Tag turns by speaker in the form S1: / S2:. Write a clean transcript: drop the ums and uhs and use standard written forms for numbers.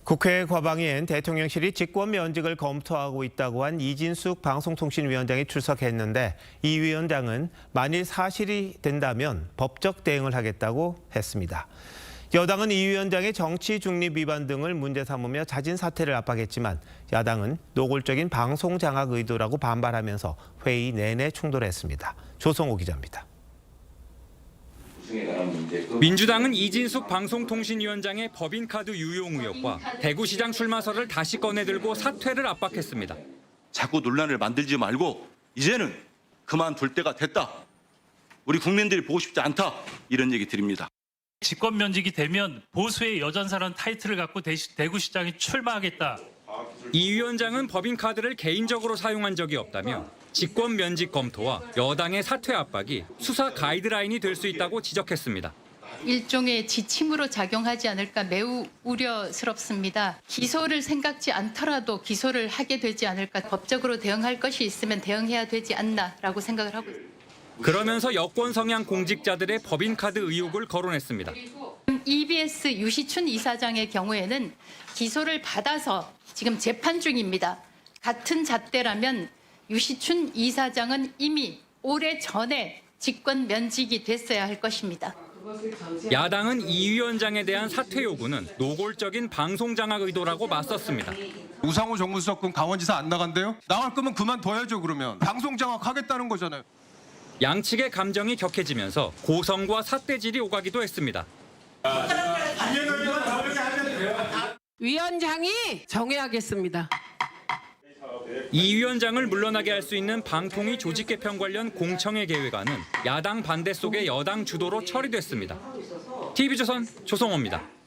S1: 국회 과방위엔 대통령실이 직권 면직을 검토하고 있다고 한 이진숙 방송통신위원장이 출석했는데 이 위원장은 만일 사실이 된다면 법적 대응을 하겠다고 했습니다. 여당은 이 위원장의 정치 중립 위반 등을 문제 삼으며 자진 사퇴를 압박했지만 야당은 노골적인 방송 장악 의도라고 반발하면서 회의 내내 충돌했습니다. 조성호 기자입니다.
S2: 민주당은 이진숙 방송통신위원장의 법인카드 유용 의혹과 대구시장 출마설을 다시 꺼내들고 사퇴를 압박했습니다.
S3: 자꾸 논란을 만들지 말고 이제는 그만둘 때가 됐다. 우리 국민들이 보고 싶지 않다. 이런 얘기 드립니다.
S4: 직권 면직이 되면 보수의 여전사라는 타이틀을 갖고 대구시장에 출마하겠다.
S2: 이 위원장은 법인카드를 개인적으로 사용한 적이 없다며 직권 면직 검토와 여당의 사퇴 압박이 수사 가이드라인이 될 수 있다고 지적했습니다.
S5: 일종의 지침으로 작용하지 않을까 매우 우려스럽습니다. 기소를 생각지 않더라도 기소를 하게 되지 않을까, 법적으로 대응할 것이 있으면 대응해야 되지 않나라고 생각을 하고 있습니다.
S2: 그러면서 여권 성향 공직자들의 법인카드 의혹을 거론했습니다.
S5: EBS 유시춘 이사장의 경우에는 기소를 받아서 지금 재판 중입니다. 같은 잣대라면 유시춘 이사장은 이미 오래전에 직권 면직이 됐어야 할 것입니다.
S2: 야당은 이 위원장에 대한 사퇴 요구는 노골적인 방송 장악 의도라고 맞섰습니다.
S6: 우상호 정무수석은 강원지사 안 나간대요? 나갈 거면 그만둬야죠. 그러면 방송 장악하겠다는 거잖아요.
S2: 양측의 감정이 격해지면서 고성과 삿대질이 오가기도 했습니다.
S7: 위원장이 정해야겠습니다.
S2: 이 위원장을 물러나게 할 수 있는 방통위 조직 개편 관련 공청회 계획안은 야당 반대 속에 여당 주도로 처리됐습니다. TV조선 조성호입니다.